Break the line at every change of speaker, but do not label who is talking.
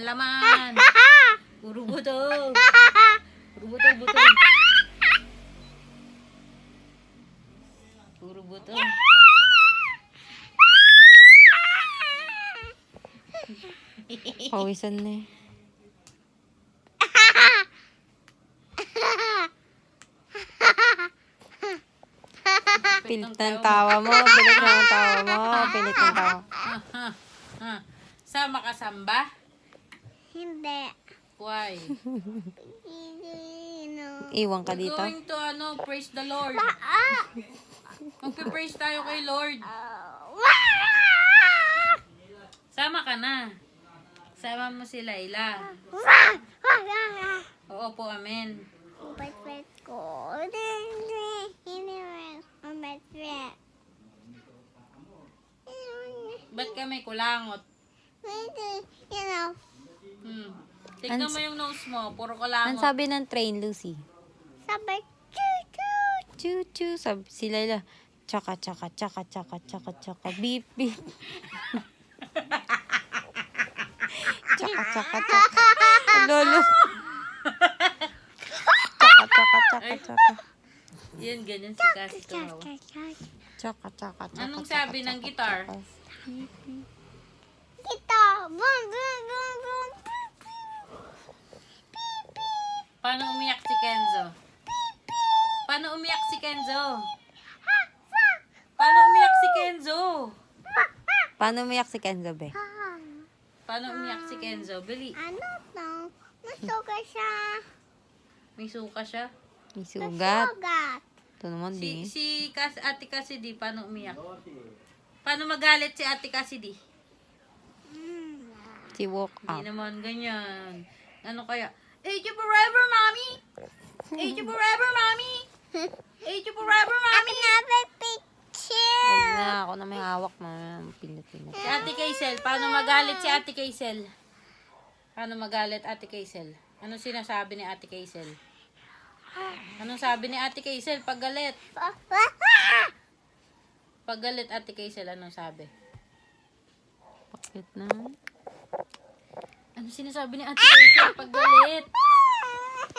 laman. Puro butog. Puro butog. Puro butog.
Pawisan na eh. Pilit ng tawa mo. Pilit ng tawa mo. Pilit ng tawa.
Sama ka samba?
Hindi.
Why?
Iwan ka
We're
dito.
going to praise the Lord. Magpe-praise tayo kay Lord. Sama ka na. Sama mo si Layla. Oo po, amen.
Bet ko.
Ba't ka may kulangot? Tignan mo yung nose mo. Puro
Ang
kulangot.
sabi ng train, Lucy?
Sabi, choo-choo.
Choo-choo. Sabi si Layla. Tsaka, tsaka, tsaka, tsaka, tsaka, tsaka, beep, beep. Tsaka, tsaka, tsaka. Lolo. Tsaka, tsaka, tsaka, tsaka.
Yan, ganyan si Cassie tumawa.
Tsaka, tsaka, tsaka.
Anong
tsaka,
sabi ng
tsaka,
gitar?
tsaka.
Kita. Boom, boom, boom, boom.
Paano umiyak si Kenzo? Paano umiyak si Kenzo? Paano umiyak si Kenzo?
Paano umiyak si Kenzo, be?
Paano umiyak si Kenzo? Bili.
Ano to? Masuga siya.
May suka siya.
May sugat.
Masugat.
Ito naman, di.
Ate Cassidy, paano umiyak? Paano magalit si Ate Cassidy?
Si walk
Hindi
up.
naman ganyan. Ano kaya? Age you forever, mommy! Age you forever, mommy! Age you forever, mommy!
Another picture.
Huwag na, ako na may hawak na. Pinat-pinat.
Si Ate Kaisel, paano magalit si Ate Kaisel? Paano magalit Ate Kaisel? Anong sinasabi ni Ate Kaisel? Anong sabi ni Ate Kaisel pag galit? Pag galit Ate Kaisel, anong sabi?
Bakit na?
Ano sinasabi ni Ate Kaisel pag galit?